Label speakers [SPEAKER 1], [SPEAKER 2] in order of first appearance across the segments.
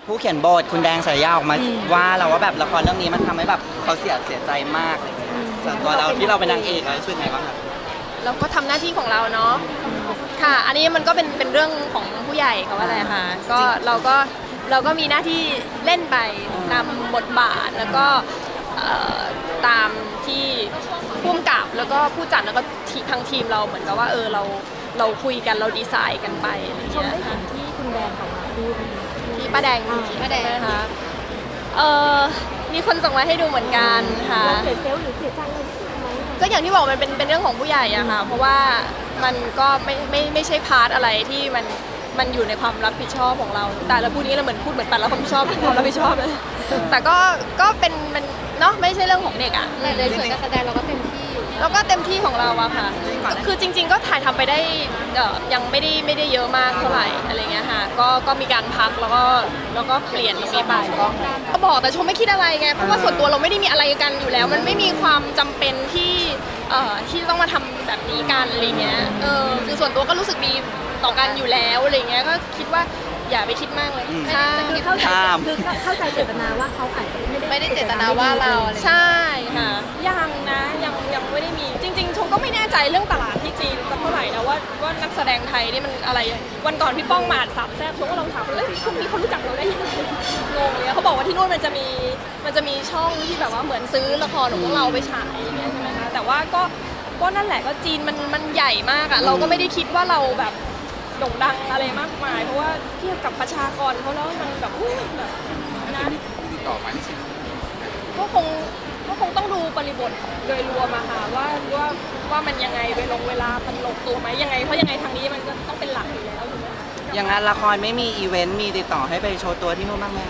[SPEAKER 1] ผู้เขียนบทคุณแดงสายยาออกมาว่าเราว่าแบบละครเรื่องนี้มันทำให้แบบเขาเสียใจมากเลยส่วนตัวเราที่เราเป็นนางเอกเรารู้สึกไงบ้างครับ
[SPEAKER 2] เราก็ทำหน้าที่ของเราเนาะค่ะอันนี้มันก็เป็นเรื่องของผู้ใหญ่เขาว่าอะไรค่ะก็เราก็มีหน้าที่เล่นไปนำบทบาทแล้วก็ตามที่ผู้กำกับแล้วก็ผู้จัดแล้วก็ทางทีมเราเหมือนกับว่าเราคุยกันเราดีไซน์กันไปอะไรอย่างเงี้ยค่ะ
[SPEAKER 3] ที่คุณแดงเขามาพูด
[SPEAKER 2] ที่ป้าแดงนะคะมีคนส่งมาให้ดูเหมือนกันค่ะ
[SPEAKER 3] เสียเซลล์หรือเสียใจอะไรที่สุดไหม
[SPEAKER 2] ก็อย่างที่บอกมันเป็นเรื่องของผู้ใหญ่อะค่ะเพราะว่ามันก็ไม่ใช่พาร์ทอะไรที่มันอยู่ในความรับผิดชอบของเราแต่เราพูดนี้เราเหมือนพูดเหมือนปัดแล้วความชอบความรับผิดชอบเลยแต่ก็เป็นมันเนาะไม่ใช่เรื่องของเด็กอะ
[SPEAKER 3] ในส่วนการแสดงเราก็เต็มที่อยู่
[SPEAKER 2] แล้วก็เต็มที่ของเราอะค่ะคือจริงๆก็ถ่ายทำไปได้ยังไม่ได้เยอะมากเท่าไหร่อะไรเงี้ยค่ะก็มีการพักแล้วก็เปลี่ยนตรงนี้ไปก็บอกแต่ชมไม่คิดอะไรไงเพราะว่าส่วนตัวเราไม่ได้มีอะไรกันอยู่แล้วมันไม่มีความจำเป็นที่ต้องมาทำแบบนี้กันอะไรเงี้ยคือส่วนตัวก็รู้สึกดีต่อกันอยู่แล้วอะไรเงี้ยก็คิดว่าอย่าไปคิดมากเลย
[SPEAKER 3] คือเข้าใจเจตนาว่าเขาอาจจะไม่ได้
[SPEAKER 2] เจตนาว่าเราใช่ค่ะยังนะยังไม่ได้มีจริงๆชมก็ไม่แน่ใจเรื่องตลาดที่จีนสักเท่าไหร่นะว่านักแสดงไทยนี่มันอะไรวันก่อนพี่ป้องมาสามแซ่บชมก็ลองถามเลยพวกนี้เขารู้จักเราได้ยังไงงงเลยเขาบอกว่าที่นู่นมันจะมีช่องที่แบบว่าเหมือนซื้อละครของพวกเราไปฉายอย่างเงี้ยใช่ไหมคะแต่ว่าก็นั่นแหละก็จีนมันใหญ่มากอ่ะเราก็ไม่ได้คิดว่าเราแบบโด่งดังอะไรมากมายเพราะว่าเทียบกับประชากรเขาแล้วมันแบบแบบนะก็คงต้องดูบริบทโดยรวมอะค่ะว่ามันยังไงเวลามันลงตัวไหมยังไงเพราะยังไงทางนี้มันก็ต้องเป็นหลักอยู่แล้วถูกไหม
[SPEAKER 1] อย่างงานละครไม่มีอีเวนต์มีติดต่อให้ไปโชว์ตัวที่นู่นบ้างไหม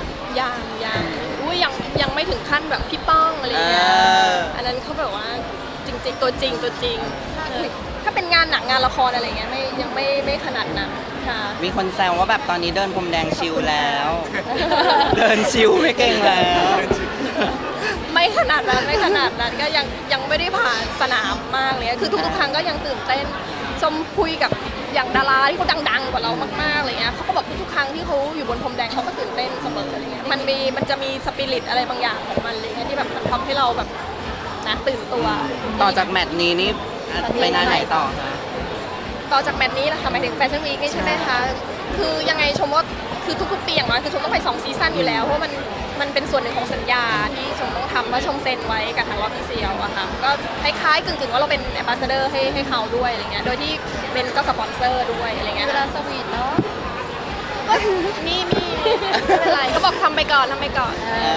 [SPEAKER 2] ยังไม่ถึงขั้นแบบพี่ป้องอะไรเงี้ยอันนั้นเขาแบบว่าจริงๆตัวจริงถ้าเป็นงานหนังงานละครอะไรเงี้ยยังไม่ขนาดนั้นค่ะ
[SPEAKER 1] มีคนแซวว่าแบบตอนนี้เดินพรมแดงชิลแล้ว เดินชิลไม่เก่งแล้ว
[SPEAKER 2] ไม่ขนาดนั้นก็ยังไม่ได้ผ่านสนามมากเลยคือทุกครั้งก็ยังตื่นเต้นชมคุยกับอย่างดาราที่เขาดังๆกว่าเรามากๆอะไรเงี้ยเขาก็บอกทุกครั้งที่เขาอยู่บนพรมแดงเขาก็ตื่นเต้นเสมออะไรเงี้ยมันจะมีสปิริตอะไรบางอย่างของมันเลยที่แบบทำให้เราแบบนะตื่นตัว
[SPEAKER 1] ต่อจากแมตช์นี้นี่ไปงานไหนต่อคะ
[SPEAKER 2] ต่อจากแมตช์นี้นะคะหมายถึงแฟชั่นวีคนี่ใช่ไหมคะคือยังไงชมว่าคือทุกๆปีอย่างน้อยคือชมต้องไป2ซีซั่นอยู่แล้วเพราะมันเป็นส่วนหนึ่งของสัญญาที่ชมต้องทำเพราะชมเซ็นไว้กับทางอฟฟิเชียลอะค่ะก็คล้ายๆกึ่งๆว่าเราเป็นแอมบาสเดอร์ให้เขาด้วยอะไรเงี้ยโดยที่เป็นก็สปอนเซอร์ด้วยอะไรเงี้ยเวลาสวีทเนาะก็มีไม่เป็นไรเขาบอกทำไปก่อน